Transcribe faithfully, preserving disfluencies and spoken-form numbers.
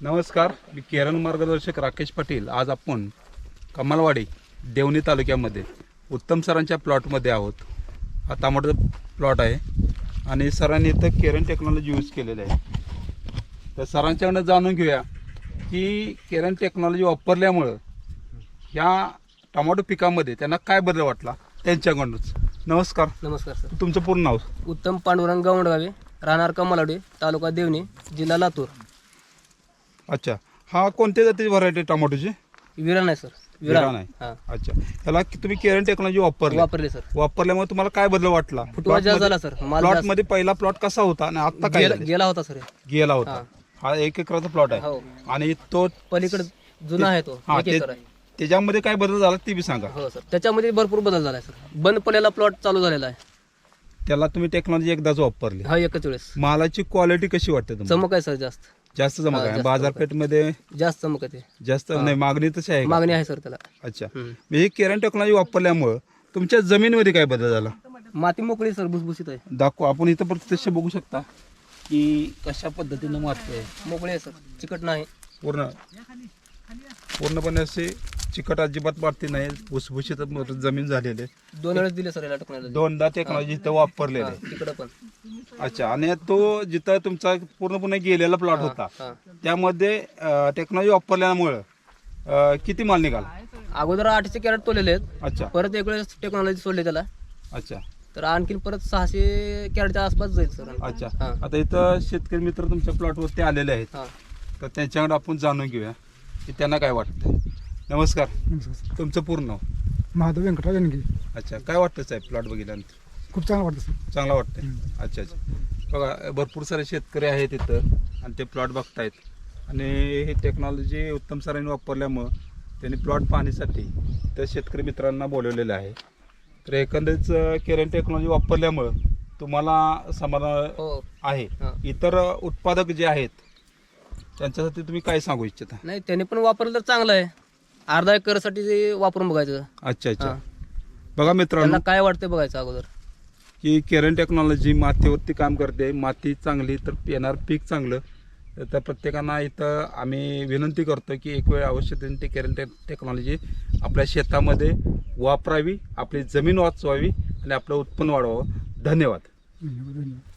नमस्कार, मी केरन मार्गदर्शक राकेश पाटील. आज आपण कमलवाडी देवणी तालुक्यामध्ये उत्तम सरांच्या प्लॉटमध्ये आहोत. हा टमाटोचा प्लॉट आहे आणि सरांनी इथं केरन टेक्नॉलॉजी यूज केलेलं आहे. तर सरांच्याकडनं जाणून घेऊया की केरन टेक्नॉलॉजी वापरल्यामुळं ह्या टमाटो पिकामध्ये त्यांना काय बदल वाटला त्यांच्याकडूनच. नमस्कार. नमस्कार सर. तुमचं पूर्ण नाव? उत्तम पांडुरंग गावंडगावे, राहणार कमलवाडी, तालुका देवणी, जिल्हा लातूर. अच्छा, हा कोणत्या जातीची व्हरायटी टमाटोची? विरान आहे सर. विरान आहे. हां, अच्छा, त्याला तुम्ही केरन टेक्नॉलॉजी वापरली वापरले सर. वापरल्यामुळे तुम्हाला काय बदल वाटला? फुटवा जास्त झाला सर. माल प्लॉट जास्त मध्ये पहिला प्लॉट कसा होता आणि आता काय गेला झालंय? गेला होता सर. गेला होता. हां. हा एक एकराचा प्लॉट आहे हो. आणि तो पलीकडे जुना आहे तो, हा, एक ते- एकर आहे. त्याच्यामध्ये काय बदल झाला ते बी सांगा. हो सर. त्याच्यामध्ये भरपूर बदल झाला आहे सर. बंद पडलेला प्लॉट चालू झालेला आहे. त्याला तुम्ही टेक्नॉलॉजी एकदाच वापरली. हा, एकच वेळेस. मालाची क्वालिटी कशी वाटते तुम्हाला? चमक आहे सर. जास्त जास्त चमक हा, आहे. जास्त बाजारपेठमध्ये जास्त चमक आहे. जास्त नाही, मागणी तशी आहे का? मागणी आहे सर त्याला. अच्छा, हम्म. म्हणजे ही केरन टेक्नॉलॉजी वापरल्यामुळं तुमच्या जमिनीमध्ये काय बदल झाला? माती मोकळी सर, भुसभुशीत आहे. दाखवा. आपण इथं प्रत्यक्ष बघू शकता की कशा पद्धतीनं माती आहे. मोकळी आहे सर, चिकट नाही. पूर्ण पूर्णपणे असे चिकट अजिबात वाटते नाही. भुसभुशीत जमीन झालेली आहे. दोन वेळेस दिले सर याला टेक्नॉलॉजी. दोनदा टेक्नॉलॉजी इथं वापरलेली आहे. तिकडं पण. अच्छा, आणि तो जिथं तुमचा पूर्णपणे गेलेला प्लॉट होता हा. त्यामध्ये टेक्नॉलॉजी वापरल्यामुळं अं, किती माल निघाला? अगोदर आठशे कॅरेट तोलेले आहेत. अच्छा परत एक वेळेस टेक्नॉलॉजी सोडली त्याला, अच्छा तर आणखीन परत सहाशे कॅरेटच्या आसपास जाईल सर. अच्छा. हा. आता इथं शेतकरी मित्र तुमच्या प्लॉटवरती आलेले आहेत, हा. तर त्यांच्याकडे आपण जाणून घेऊया की त्यांना काय वाटतं. नमस्कार, नमस्कार. तुमचं पूर्ण नाव? महादेव व्यंकटराव जनगी. अच्छा, काय वाटतं साहेब प्लॉट बघितल्यानंतर? खूप चांगलं वाटतं सर. चांगला वाटतंय. अच्छा अच्छा. बघा, भरपूर सारे शेतकरी आहेत इथं आणि ते प्लॉट बघतायत आणि ही टेक्नॉलॉजी उत्तम सरांनी वापरल्यामुळं त्यांनी प्लॉट पाहण्यासाठी त्या शेतकरी मित्रांना बोलवलेलं आहे. तर एकंदरीत केरन टेक्नॉलॉजी वापरल्यामुळं तुम्हाला समाधान हो. आहे. हा. इतर उत्पादक जे आहेत त्यांच्यासाठी तुम्ही काय सांगू इच्छिता? नाही, त्याने पण वापरलं तर चांगलं आहे. अर्धा एकरसाठी ते वापरून बघायचं. अच्छा अच्छा. हा. बघा मित्रांनो, त्यांना काय वाटतं बघायचं अगोदर. की केरन टेक्नॉलॉजी मातीवरती काम करते. माती चांगली तर येणार पीक चांगलं. तर प्रत्येकांना इथं आम्ही विनंती करतो की एक वेळ अवश्य त्यांनी ती केरन टे टेक्नॉलॉजी आपल्या शेतामध्ये वापरावी, आपली जमीन वाचवावी आणि आपलं उत्पन्न वाढवावं. धन्यवाद. धन्यवाद धन्यवाद.